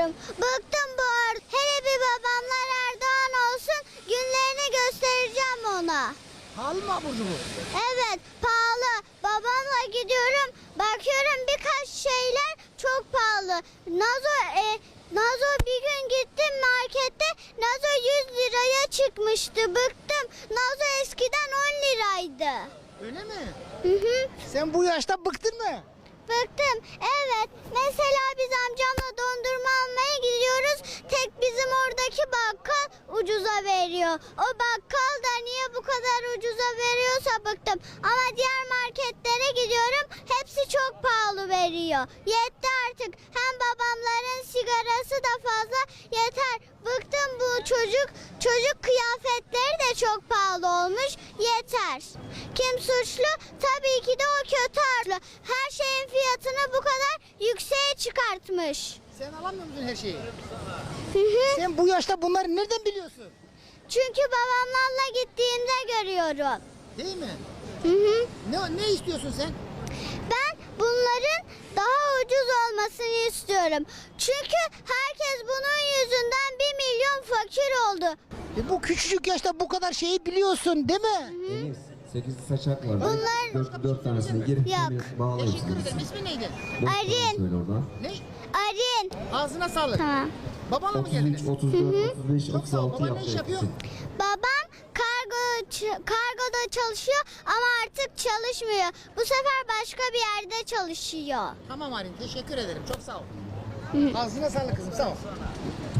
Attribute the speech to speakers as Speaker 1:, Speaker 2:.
Speaker 1: istiyorum. Bıktım bu arada. Hele bir babamlar Erdoğan olsun, günlerini göstereceğim ona.
Speaker 2: Pahalı mı abur cubur?
Speaker 1: Evet, pahalı. Babamla gidiyorum, bakıyorum birkaç şeyler çok pahalı. Nazo bir gün gittim markette, Nazo 100 liraya çıkmıştı. Bıktım. Nazo eskiden 10 liraydı.
Speaker 2: Öyle mi?
Speaker 1: Hı hı.
Speaker 2: Sen bu yaşta bıktın mı?
Speaker 1: Bıktım. Evet. Mesela biz amcamla dondurma almaya gidiyoruz. Tek bizim oradaki bakkal ucuza veriyor. O bakkal da niye bu kadar ucuza veriyorsa bıktım. Ama diğer marketlere gidiyorum. Hepsi çok pahalı veriyor. Yetti artık. Hem babamların sigarası da fazla. Yeter. Bıktım bu çocuk kıyafetleri de çok pahalı olmuş. Yeter. Kim suçlu? Tabii ki de o kötü harçlı. Her şeyin fiyatını bu kadar yükseğe çıkartmış.
Speaker 2: Sen alamıyor musun her şeyi?
Speaker 1: Hı hı.
Speaker 2: Sen bu yaşta bunları nereden biliyorsun?
Speaker 1: Çünkü babamlarla gittiğimde görüyorum.
Speaker 2: Değil mi?
Speaker 1: Hı hı.
Speaker 2: Ne istiyorsun sen?
Speaker 1: Ben bunların daha ucuz olmasını istiyorum. Çünkü herkes bunun yüzünden 1 milyon fakir oldu.
Speaker 2: Bu küçücük yaşta bu kadar şeyi biliyorsun değil mi?
Speaker 3: Deniz, 8 saçak var.
Speaker 1: Bunlar-
Speaker 3: 4 tanesini girip
Speaker 1: Yok.
Speaker 3: bağlayın.
Speaker 2: Teşekkür ederim. İsmi neydi?
Speaker 1: Arin.
Speaker 3: Söyle oradan.
Speaker 2: Ne?
Speaker 1: Arin.
Speaker 2: Ağzına sağlık.
Speaker 1: Tamam.
Speaker 2: Babanla mı
Speaker 3: 33,
Speaker 2: geldiniz?
Speaker 3: 34, 35,
Speaker 2: Çok sağ ol.
Speaker 3: 36
Speaker 2: Baban ne
Speaker 3: yaptı
Speaker 2: iş yapıyor?
Speaker 3: hepsi.
Speaker 1: Babam kargoda çalışıyor ama artık çalışmıyor. Bu sefer başka bir yerde çalışıyor.
Speaker 2: Tamam Arin, teşekkür ederim. Çok sağ ol. Ağzına sağlık kızım, sağ ol.